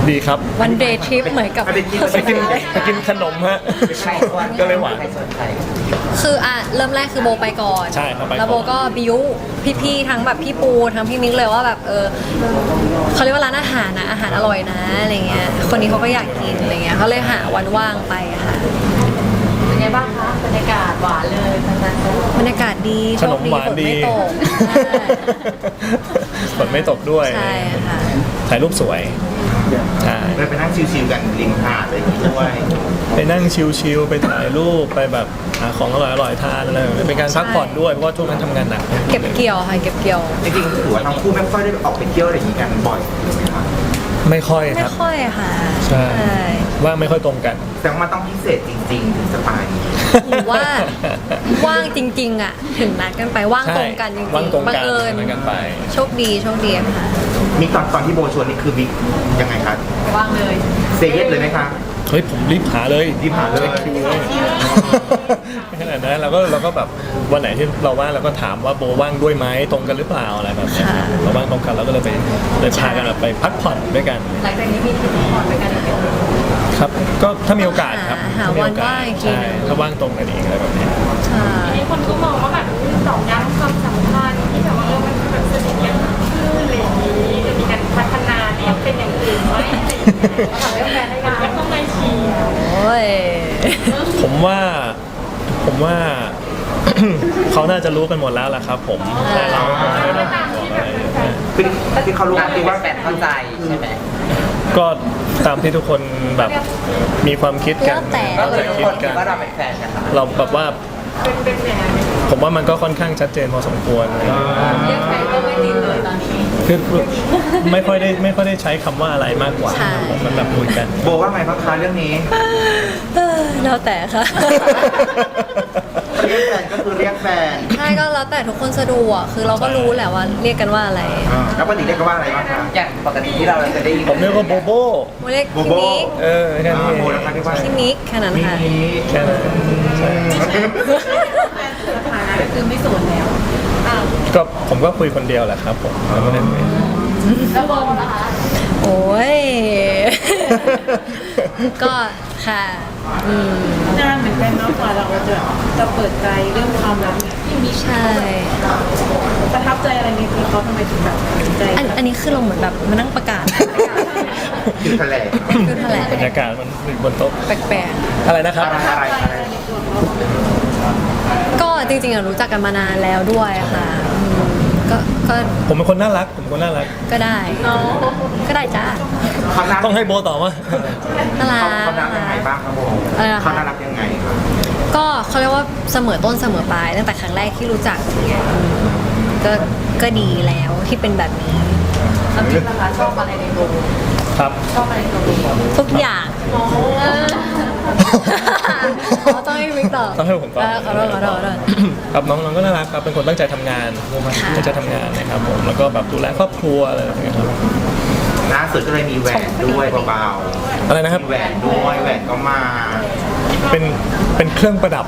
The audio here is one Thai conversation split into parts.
ดีครับวันเดย์ทริปเหมือนกับไปกินขนมฮะก็เลยหวานคือเริ่มแรกคือโบไปก่อนใช่ครับไปก่อนแล้วโบก็บิวพี่ๆทั้งแบบพี่ปูทั้งพี่มิกเลยว่าแบบเขาเรียกว่าร้านอาหารนะอาหารอร่อยนะอะไรเงี้ยคนนี้เขาก็อยากกินอะไรเงี้ยเขาเลยหาวันว่างไปค่ะเป็นไงบ้างคะบรรยากาศหวานเลยบรรยากาศดีขนมหวานดีฝนไม่ตกฝนไม่ตกด้วยใช่ค่ะถ่ายรูปสวยใช่เลยไปนั่งชิวๆกันริมหาดอะไรอย่างงี้ด้วยไปนั่งชิลๆไปถ่ายรูปไปแบบหาของอร่อยๆทานอะไรแบบนี้เป็นการพักผ่อนด้วยเพราะว่าช่วงนั้นทำงานหนักเก็บเกี่ยวค่ะเก็บเกี่ยวจริงๆถือว่าทั้งคู่ไม่ค่อยได้ออกไปเที่ยวอะไรอย่างงี้กันบ่อยใช่ไหมครับไม่ค่อยคไม่รับค่อยค่ะใช่ว่างไม่ค่อยตรงกันแต่ว่ามันต้องพิเศษจริงๆถึงจะไปหรือว่าว่างจริงๆอ่ะถึงนัดกันไปว่างตรงกันจริงว่างตรงๆบังกันเอิญนัดกันไปโชคดีค่ะมีตอนที่โบชวนนี่คือมียังไงครับว่างเลยเซเยสเลยไหมคะเฮ้ยผมรีบหาเลยรีบหาเลยช็คคิวเลยไม่ขนาดนั้นเราก็แบบวันไหนที่เราว่างเราก็ถามว่าโบว่างด้วยไหมตรงกันหรือเปล่าอะไรแบบนี้เราว่างตรงกันเราก็เลยพากันแบบไปพักผ่อนด้วยกันหลังจากนี้มีทริปผ่อนไปกันอีกไหมครับก็ถ้ามีโอกาสครับหาถ้มีวัโอน กาว่าสงอีกทีใช่นึงถ้าว่างตรงกันอีกอะไรแบบนี้ค่ะทีนี้คนก็มองว่าแบบตอกย้ำความสัมพันธ์ที่แบบว่ามันแบบสนิทกันขึ้นอะไรอย่างนี้จะมีการพัฒนาเนี่ยเป็นอย่างอื่นไหมทำให้แฟนได้กันก็ต้องไม่เชียร์โอ้ยผมว่า เขาน่าจะรู้กันหมดแล้วล่ะครับ ผมแต่เราไม่ต้องบอกอะไรคือที่เขารู้คือว่าแฟนเข้าใจใช่ไหมก็ตามที่ทุกคนแบบมีความคิดกันแล้วแต่ก็เข้าคืใจอทุกคิคดนคิกัดนว่าเราเป็นแฟนกันนะคะเราแบบว่าเป็นอย่างนั้นผมว่ามันก็ค่อนข้างชัดเจนพอสมควรเรียกใครก็ไม่ติดเลยตอนนี้คือไม่ค่อยได้ใช้คำว่าอะไรมากกว่าใช่ผมมันแบบคุยกันโบว่าไงบ้างคะเรื่องนี้แล้วแต่ค่ะเรียกแฟนก็คือเรียกแฟนใช่ก็แล้วแต่ทุกคนสะดวกคือเราก็รู้แหละว่าเรียกกันว่าอะไรแล้วปกติเรียกกันว่าอะไรบ้างคะอย่างปกติที่เราจะได้ยินผมเรียกว่าโบโบโมเรียกโบพี่โบมิกแค่นี้โบนะคะเรียกว่าพี่มิกแค่นั้นค่ะแค่นั้นใช่คือไม่สูญแล้วก็ผมก็คุยคนเดียวแหละครับผมแล้วก็ได้คุยแล้วบอลนะคะ โอ้ย ก็ค่ะนานเหมือนกันเนาะกว่าเราจะเปิดใจเรื่องความรักเนี่ยใช่ประทับใจอะไรในตัวเขาทำไมถึงแบบตัดสินใจอันนี้คือเราเหมือนแบบมานั่งประกาศคือแถลงคือแถลงบรรยากาศมันอยู่บนโต๊ะแปลกอะไรนะครับอะไรๆก็จริงๆอะรู้จักกันมานานแล้วด้วยค่ะก็ผมเป็นคนน่ารักก็ได้ก็ได้จ้าเขาน่าต้องให้โบตอบว่าน่ารักเขาน่ารักยังไงบ้างครับโบอะไรนะคะเขาน่ารักยังไงครับก็เขาเรียกว่าเสมอต้นเสมอปลายตั้งแต่ครั้งแรกที่รู้จักเนี่ยก็ดีแล้วที่เป็นแบบนี้แล้วพี่นะคะชอบอะไรในโบครับชอบอะไรในโบทุกอย่างต้องให้มิกตอบต้องให้ผมตอบขอโทษครับน้องๆก็น่ารักครับเป็นคนตั้งใจทำงานตั้งใจทำงานนะครับผมแล้วก็แบบดูแลครอบครัวอะไรอย่างเงี้ยครับล่าสุดก็เลยมีแหวนด้วยเบาอะไรนะครับๆแหวนด้วยแหวนก็มาเป็นเครื่องประดับ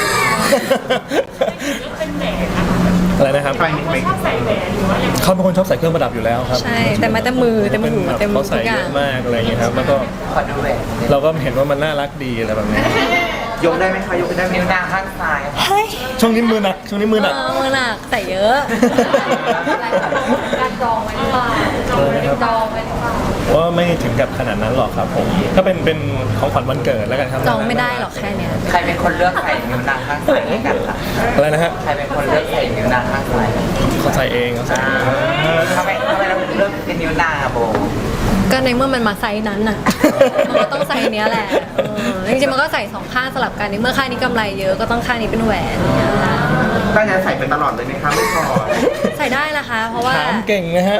เป็นแหวนนะคะอะไรนะครับไปไม่ชอบใส่แหวนหรือว่าอย่างเขาเป็นคนชอบใส่เครื่องประดับอยู่แล้วครับใช่แต่มาแต่มือเต็มหูแบบเต็มเขาทุใส่กอเยย่างอะมากอะไรอย่างเงี้ยครับแล้วก็ขอดูแหวนเราก็เห็นว่ามันน่ารักดีอะไรแบบนี้ยกได้ไหมคะยกได้ไหมนิ้วนางข้างซ้ายเฮ้ยช่วงนี้มือหนักมือหนักใส่เยอะการจองไว้หรือเปล่าจองไว้หรือเปล่าว่าไม่ถึงกับขนาดนั้นหรอกครับผมถ้าเป็นของขวัญวันเกิดแล้วกันครับจองไม่ได้หรอกแค่เนี้ยใครเป็นคนเลือกใส่นิ้วนางข้างซ้ายให้กันล่ะอะไรนะฮะใครเป็นคนเลือกใส่นิ้วนางข้างซ้ายเขาใส่เองเขาใส่เองทำไมเราถึงเลือกเป็นนิ้วนางอะโบก็ในเมื่อมันมาไซส์นั้นน่ะมันก็ต้องไซส์เนี้ยแหละจริงๆมันก็ใส่สองข้างสลับกันในเมื่อข้างนี้กำไรเยอะก็ต้องข้างนี้เป็นแหวนเนี่ยค่ะตั้งใจใส่ไปตลอดเลยไหมคะไม่พอใส่ได้นะคะ เพราะว่าถามเก่งนะฮะ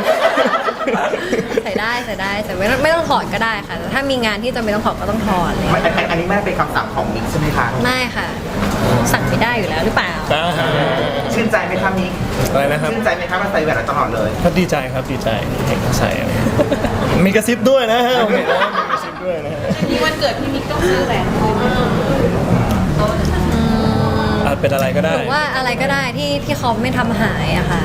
ใส่ได้ไม่ต้องถอดก็ได้ค่ะแต่ถ้ามีงานที่จำเป็นต้องถอดก็ต้องถอดเลยอันนี้ไม่ได้เป็นคำสั่งของมิกใช่ไหมคะไม่ค่ะ สั่งไม่ได้อยู่แล้วหรือเปล่าชื่นใจไหมคะมิกอะไรนะครับชื่นใจไหมคะมาใส่แหวนตลอดเลยก็ดีใจครับดีใจเห็นเขาใส่อะไรมีกระซิบด้วยนะฮะโอเคนะมีกระซิบด้วยนะฮะนี้วันเกิดพี่มิกต้องซื้อแหวนคืนอาจเป็นอะไรก็ได้หรือว่าอะไรก็ได้ที่เขาไม่ทำหายอะค่ะ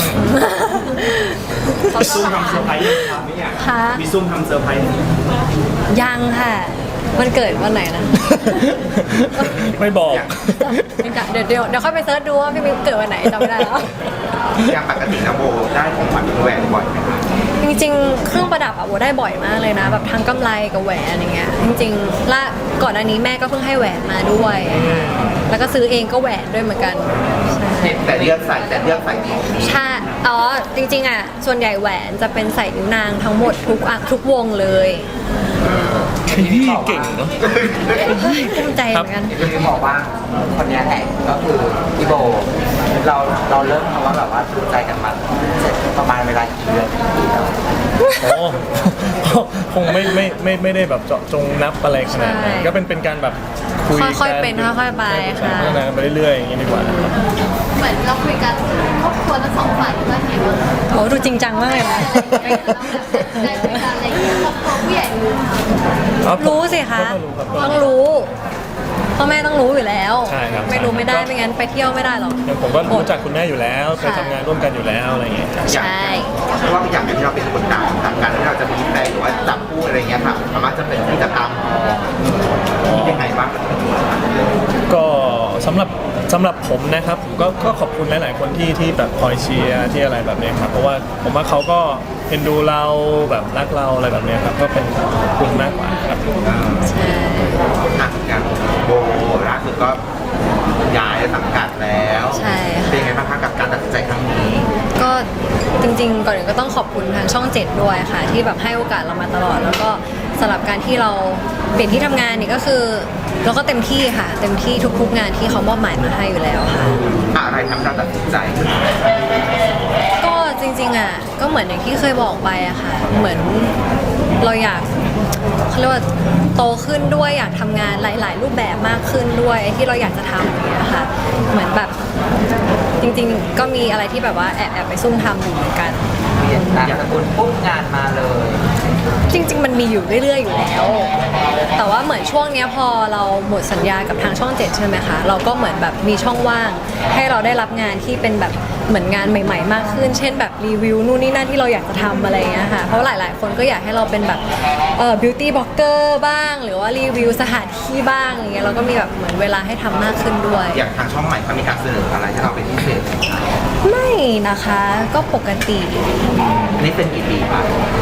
มีซุ่มทำเซอร์ไพรส์ยังครับไม่อยากค่ะมีซุ่มทำเซอร์ไพรส์ยังค่ะวันเกิดวันไหนนะไม่บอกเดี๋ยวค่อยไปเซิร์ชดูว่าพี่มิวเกิดวันไหนจำไม่ได้แล้วอย่างปกตินะโบได้ของขวัญเป็นแหวนบ่อยไหมคะจริงๆ เครื่องประดับอะโบได้บ่อยมากเลยนะ แบบทั้งกำไรกับแหวนอย่างเงี้ยจริงๆละก่อนอันนี้แม่ก็เพิ่งให้แหวนมาด้วย แล้วก็ซื้อเองก็แหวนด้วยเหมือนกันใช่แต่เลือกใส่ของใช่อ๋อจริงๆอะส่วนใหญ่แหวนจะเป็นใส่นิ้วนางทั้งหมดทุกวงเลยพี่เก่งเนาะเฮ้ยภูมิใจเหมือนกันที่บอกว่าคนเนี้ยแหละก็คือพี่โบเราเริ่มคำว่าแบบว่าดูใจกันมาประมาณเวลากี่เดือนกี่ปีแล้วโอ้ คงไม่ได้แบบเจาะจงนับอะไรขนาดนั้นใช่ก็เป็นการแบบคุยกันค่อยๆเป็นค่อยๆไปค่ะพัฒนากันไปเรื่อยๆอย่างนี้ดีกว่านะครับเหมือนเราคุยกันครอบครัวทั้งสองฝ่ายว่าไงบ้างคะโอ้ดูจริงจังมากเลยนะได้คุยกันอะไรอย่างเงี้ยครอบครัวผู้ใหญ่รู้ครับรู้สิคะก็รู้ครับต้องรู้พ่อแม่ต้องรู้อยู่แล้วใช่ครับไม่รู้ไม่ได้ไม่งั้นไปเที่ยวไม่ได้หรอกอย่างผมก็รู้จักคุณแม่อยู่แล้วเคยค่ะทำงานร่วมกันอยู่แล้วอะไรอย่างเงี้ยครับใช่เพราะว่าอย่างที่เราเป็นคนต่างการที่เราจะมีแฟนหรือว่าจับคู่อะไรเงี้ยค่ะสามารถจะเป็นที่จะตามยังไงบ้างก็สำหรับผมนะครับก็ขอบคุณหลายๆคนที่แบบคอยเชียร์ที่อะไรแบบเนี้ยครับเพราะว่าผมว่าเขาก็เอ็นดูเราแบบรักเราอะไรแบบเนี้ยครับก็เป็นคุณมากกว่าครับใช่อ่ะอย่างโบล่าสุดก็ย้ายสังกัดแล้วใช่เป็นค่ะไงบ้างคะกับการตัดสินใจครั้งนี้ก็จริงๆก่อนอื่นก็ต้องขอบคุณทางช่อง 7 ด้วยค่ะ ที่แบบให้โอกาสเรามาตลอด แล้วก็สำหรับการที่เราเปลี่ยนที่ทำงานนี่ก็คือเราก็เต็มที่ค่ะ เต็มที่ทุกๆงานที่เขามอบหมายมาให้อยู่แล้วค่ะอะไรทำให้เราตัดสินใจก็จริงๆอ่ะก็เหมือนอย่างที่เคยบอกไปอะค่ะ เหมือนเราอยากเขาเรียกว่าโตขึ้นด้วยอยากทำงานหลาย ๆ รูปแบบมากขึ้นด้วยที่เราอยากจะทำอย่างเงี้ยค่ะ เหมือนแบบจริงๆ ก็มีอะไรที่แบบว่าแอบไปซุ่มทำอยู่เหมือนกันเปลี่ยนนามสกุลปุ๊บงานมาเลยจริง ๆ มันมีอยู่เรื่อย ๆ อยู่แล้ว แต่ว่าเหมือนช่วงเนี้ยพอเราหมดสัญญากับทางช่อง 7 ใช่ไหมคะ เราก็เหมือนแบบมีช่องว่าง ให้เราได้รับงานที่เป็นแบบเหมือนงานใหม่ ๆ มากขึ้น เช่นแบบรีวิวนู่นนี่นั่นที่เราอยากจะทำอะไรอย่างเงี้ยค่ะ เพราะหลาย ๆ คนก็อยากให้เราเป็นแบบบิวตี้บล็อกเกอร์บ้าง หรือว่ารีวิวสถานที่บ้างอย่างเงี้ยเราก็มีแบบเหมือนเวลาให้ทำมากขึ้นด้วยอย่างทางช่องใหม่เขามีการเสนออะไรให้เราเป็นพิเศษไหมคะไม่นะคะก็ปกติอันนี้เป็นกี่ปีคะ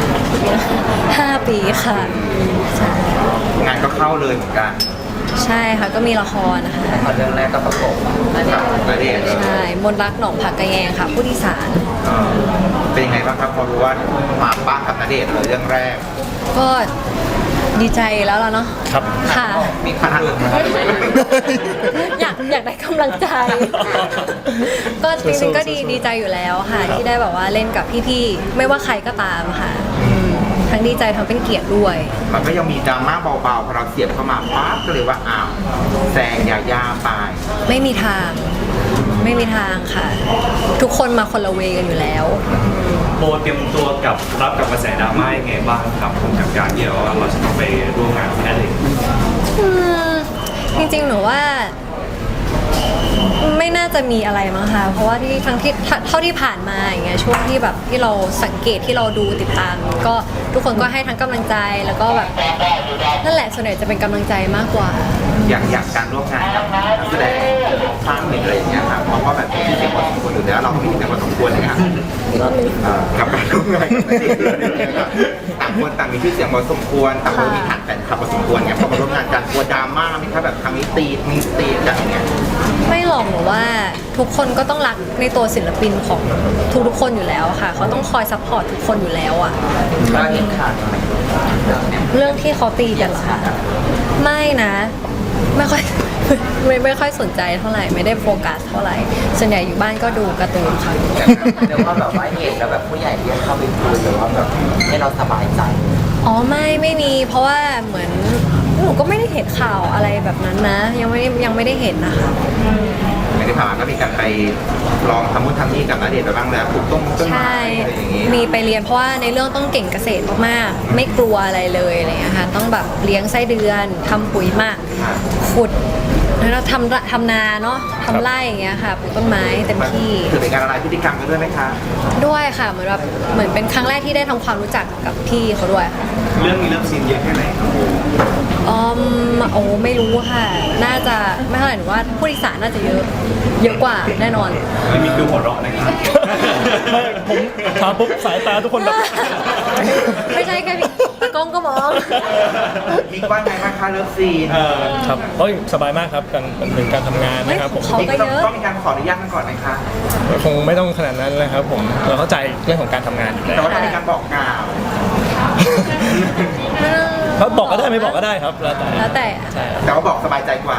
5 ปีค่ะใช่งานก็เข้าเลยเหมือนกันใช่ค่ะก็มีละครนะคะพอเรื่องแรกก็ประกบกับณเดชน์ใช่มนต์รักหนองผักกระแยงค่ะ ผู้ที่สารเออเป็นยังไงบ้างครับพอรู้ว่ามาบ้างกับณเดชน์เลยเรื่องแรกก็ดีใจแล้วล่ะเนาะครับค่ะมีคนอื่นไหมครับอยากได้กำลังใจ ก็จริงๆก็ดีใจอยู่แล้วค่ะ ที่ได้แบบว่าเล่นกับพี่ๆไม่ว่าใครก็ตามค่ะทั้งดีใจทั้งเป็นเกียรติด้วยมันก็ยังมีดราม่าเบาๆพอเราเสียบเข้ามาปั๊บก็เลยว่าอ้าวแซงยาย่าไปไม่มีทางไม่มีทางค่ะ ทุกคนมาคนละเวกันอยู่แล้วโบเตรียมตัวกับรับกับกระแสดราม่ายังไงบ้างครับผมกับการที่เราจะต้องไปร่วมงานกับนั่นเองอืมจริงๆหนูว่าไม่น่าจะมีอะไรมั้งคะเพราะว่าที่ทั้งที่เท่าที่ผ่านมาอย่างเงี้ยช่วงที่แบบที่เราสังเกตที่เราดูติดตาม ก็ทุกคนก็ให้ทั้งกำลังใจแล้วก็แบบนั่นแหละส่วนใหญ่จะเป็นกำลังใจมากกว่าอย่างการร่วมงานกับนักแสดงสร้างหนึ่งอะไรอย่างเงี้ยครับเพราะว่าแบบมีชื่อเสียงพอสมควรอยู่แล้วเราก็มีชื่อเสียงพอสมควรเลยครับกับการร่วมงานกับนักเดชน์เลยครับต่างคนต่างมีชื่อเสียงพอสมควรต่างคนมีฐานแฟนคลับพอสมควรไงพอมาร่วมงานกันกลัวดราม่าไหมครับแบบครั้งนี้ตีกันอย่างเงี้ยไม่หรอกหนูว่าทุกคนก็ต้องรักในตัวศิลปินของทุกๆคนอยู่แล้วค่ะเขาต้องคอยซัพพอร์ตทุกคนอยู่แล้วอะก็เห็นข่าวไหมเรื่องเนี้ยเรื่องที่เขาตีกันเหรอคะไม่นะไม่ค่อย ไม่ค่อยสนใจเท่าไหร่ไม่ได้โฟกัสเท่าไหร่ส่วนใหญ่อยู่บ้านก็ดูการ์ตูนค่ะเดี๋ยวว่าแบบว่าเห็นแล้วแบบผู้ใหญ่เรียกเข้าไปคุยหรือว่าแบบให้เราสบายใจอ๋อไม่มีเพราะว่าเหมือนหนูก็ไม่ได้เห็นข่าวอะไรแบบนั้นนะ ยังไม่ได้เห็นนะคะไม่ได้ผ่านก็มีการไปลองทำนู่นทำนี่กับณเดชน์ไปบ้างแล้วปลูกต้นไม้ใช่อะไรอย่างงี้มีไปเรียนเพราะว่าในเรื่องต้องเก่งเกษตรมากๆไม่กลัวอะไรเลยอะไรอย่างเงี้ยค่ะต้องแบบเลี้ยงไส้เดือนทำปุ๋ยหมักขุดแล้วเราทำนาเนาะทำไร่อย่างเงี้ยค่ะปลูกต้นไม้เต็มที่ถือเป็นการละลายพฤติกรรมกันด้วยไหมคะด้วยค่ะเหมือนเป็นครั้งแรกที่ได้ทำความรู้จักกับพี่เขาด้วยค่ะเรื่องนี้เริ่มซีนเยอะแค่ไหนครับโบโอ้ไม่รู้ค่ะ น่าจะไม่เท่าไหร่หนูว่าผู้โดยสารน่าจะเยอะกว่าแน่นอนไม่มีดูหัวเราะนะครับไม่ผมถามปุ๊บสายตาทุกคนแบบไม่ใช่แค่พี่ตากล้องก็มองมีว่าไงบ้างคะเลิฟซีนครับเฮ้ยสบายมากครับกันเป็นหนึ่งการทำงานนะครับผมเขาก็เยอะต้องมีการขออนุญาตกันก่อนไหมคะคงไม่ต้องขนาดนั้นนะครับผมเราเข้าใจเรื่องของการทำงานอยู่แล้วแต่ว่าต้องมีการบอกกล่าวเขาบอกก็ได้ไม่บอกก็ได้ครับแล้วแต่แล้วแต่ใช่ครับแต่ว่าบอกสบายใจกว่า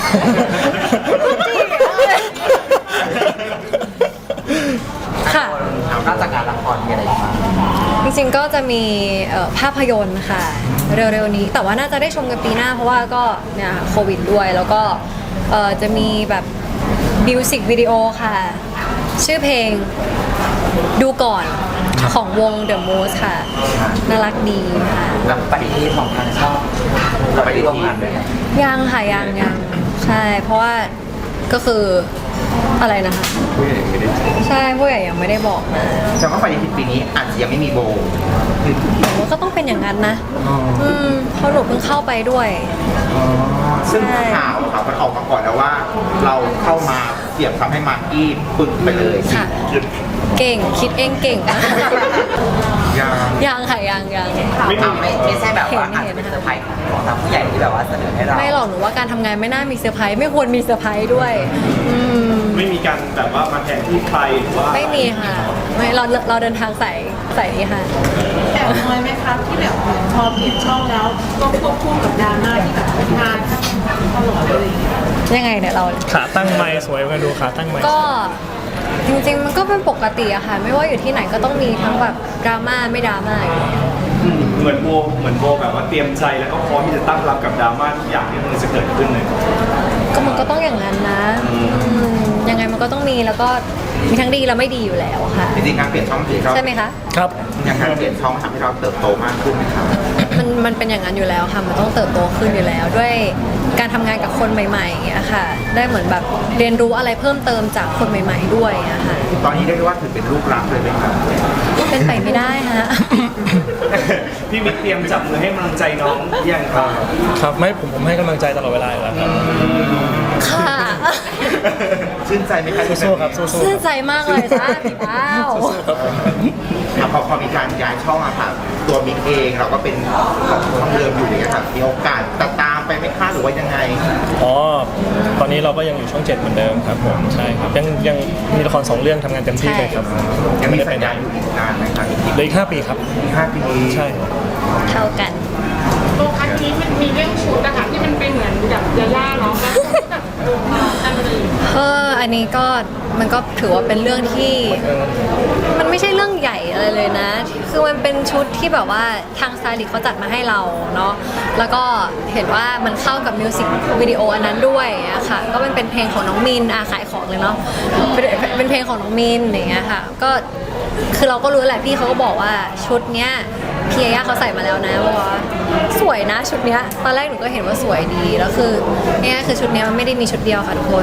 ค่ะนอกจากงานละครมีอะไรอีกบ้างจริงๆก็จะมีภาพยนตร์ค่ะ เร็วๆนี้แต่ว่าน่าจะได้ชมกันปีหน้าเพราะว่าก็เนี่ยโควิดด้วยแล้วก็จะมีแบบมิวสิกวิดีโอค่ะ ชื่อเพลงดูก่อนของวง The Moose ค่ะ น่ารักดีค่ะแล้วปฏิทินของทางช่องเราไปร่วมงานด้วยกันยังค่ะยังใช่เพราะว่าก็คืออะไรนะคะผู้ใหญ่ไม่ได้ใช่ผู้ใหญ่ยังไม่ได้บอกมาแสดงว่าปฏิทินปีนี้อาจจะยังไม่มีโบหนูก็ต้องเป็นอย่างนั้นนะเพราะหนูเพิ่งเข้าไปด้วยซึ่งใช่ข่าวครับมันออกมาก่อนแล้วว่า เราเข้ามาเสียบทำให้มากกี้ปึกไปเลยค่ะ เก่งคิดเองเก่งนะยังยังค่ะยังไม่ใช่แบบว่าอาจเห็จะนเป็นเซอร์ไพรส์ของทางผู้ใหญ่ที่แบบว่าเสนอให้เราไม่หรอกหนูว่าการทำงานไม่น่ามีเซอร์ไพรส์ไม่ควรมีเซอร์ไพรส์ด้วยมไม่มีการแบบว่ามาแทนที่ใครหรือว่าไม่มีค่ะไม่เราเดินทางสายนี้ค่ะแอบน้อยไหมครับที่แบบพอเปลี่ยนช่องแล้วก็ควบคู่กับดราม่าที่แบบงานตลอดเลยอย่างเงี้ยยังไงเนี่ยเราขาตั้งไม้สวยกันดูขาตั้งไม้ก็จริงๆมันก็เป็นปกติอะค่ะ ไม่ว่าอยู่ที่ไหนก็ต้องมีทั้งแบบดราม่าไม่ดราม่าอยู่แล้วเหมือนโบแบบว่าเตรียมใจแล้วก็พร้อมที่จะตั้งรับกับดราม่าทุกอย่างที่มันจะเกิดขึ้นเลยก็มันก็ต้องอย่างนั้นนะยังไงมันก็ต้องมีแล้วก็มีทั้งดีและไม่ดีอยู่แล้วค่ะจริงๆการเปลี่ยนช่องถือเราใช่ไหมคะครับอย่างการเปลี่ยนช่องทำให้เราเติบโตมากขึ้นไหมครับมันเป็นอย่างนั้นอยู่แล้วค่ะ มันต้องเติบโตขึ้นอยู่แล้ว ด้วยการทำงานกับคนใหม่ๆอย่างเงี้ยค่ะ ได้เหมือนแบบเรียนรู้อะไรเพิ่มเติมจากคนใหม่ ๆ ด้วยอะค่ะตอนนี้ได้เรียกว่าถือเป็นลูกรักเลยไหมครับเป็นไปไม่ได้ฮะพี่มิกเตรียมจับมือให้กำลังใจน้องยังครับครับไม่ผมให้กำลังใจตลอดเวลาอยู่แล้วครับค่ะชื่นใจไหมครับสู้ๆครับสู้ๆชื่นครับใจมากเลยจ้าพี่เป้าพอมีการย้ายช่องอะค่ะตัวมิกเองเราก็เป็นของช่องเดิมอยู่อย่างเงี้ยค่ะมีโอกาสจะตามไปไหมคะหรือว่ายังไงอ๋อตอนนี้เราก็ยังอยู่ช่อง 7เหมือนเดิมครับผมใช่ครับยังมีละคร2เรื่องทำงานเต็มที่เลยครับยังมีไม่ได้สัไปญไหนญาอยู่อีกนานไหมครับเหลย5 ปีครับอีก5 ปีใช่ครับเท่ากันโลกอันนี้มันมีเรื่องชุดนะคะที่มันเป็นเหมือนแบบยาย่าเนาะแล้วก็แบบอันนี้อันนี้ก็มันก็ถือว่าเป็นเรื่องที่ มันไม่ใช่เรื่องใหญ่อะไรเลยนะ คือมันเป็นชุดที่แบบว่าทางสไตลิสต์เขาจัดมาให้เราเนาะ แล้วก็เห็นว่ามันเข้ากับมิวสิกวิดีโออันนั้นด้วยอะค่ะ ก็มันเป็นเพลงของน้องมินขายของเลยเนาะ เป็นเพลงของน้องมินอย่างเงี้ยค่ะ ก็คือเราก็รู้แหละพี่เขาก็บอกว่าชุดเนี้ยพี่ยาย่าเขาใส่มาแล้วนะบอกว่าสวยนะชุดเนี้ย ตอนแรกหนูก็เห็นว่าสวยดี แล้วคือเนี่ยคือชุดเนี้ยมันไม่ได้มีชุดเดียวค่ะทุกคน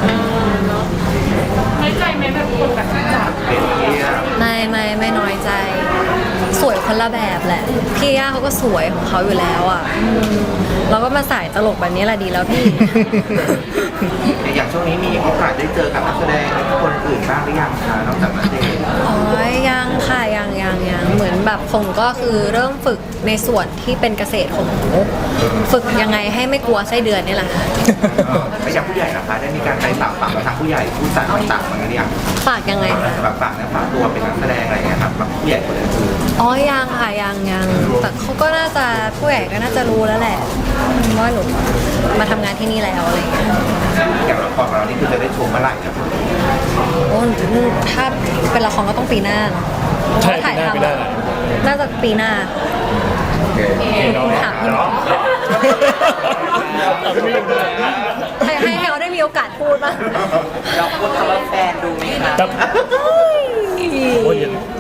น้อยใจไหมแบบคนแบบจับไม่น้อยใจ สวยคนละแบบแหละ พี่ย่าเขาก็สวยของเขาอยู่แล้วอ่ะเราก็มาใส่ตลกแบบนี้แหละดีแล้วพี่อย่างช่วงนี้มีโอกาสได้เจอกับนักแสดงคนอื่นบ้างหรือยังคะนอกจากนักเดทอ๋อยังค่ะยังเหมือนแบบของหนูก็คือเริ่มฝึกในส่วนที่เป็นเกษตรของหนูฝึกยังไงให้ไม่กลัวไส้เดือนนี่แหละค่ะไม่อย่างผู้ใหญ่นะคะได้มีการไปปากทางผู้ใหญ่ผู้จัดต่างๆเหมือนกันหรือยังฝากยังไงคะแบบปากนะฝากตัวเป็นนักแสดงอะไรอย่างเงี้ยครับแบบผู้ใหญ่คนอื่นอ๋อยังค่ะยังแต่เขาก็น่าจะผู้ใหญ่ก็น่าจะรู้แล้วแหละว่าหนูมาทำงานที่นี่แล้วอะไรอย่างเงี้ยอย่างละครของเรานี่คือจะได้ชมเมื่อไหร่ครับโอ้ถ้าเป็นละครก็ต้องปีหน้าเนอะใช่ถ่ายปีหน้าทำน่าจะปีหน้า ถามพี่ให้เขาได้มีโอกาสพูดบ้างเราพูดคำว่าแฟนดูไหมคะครับโอ้ย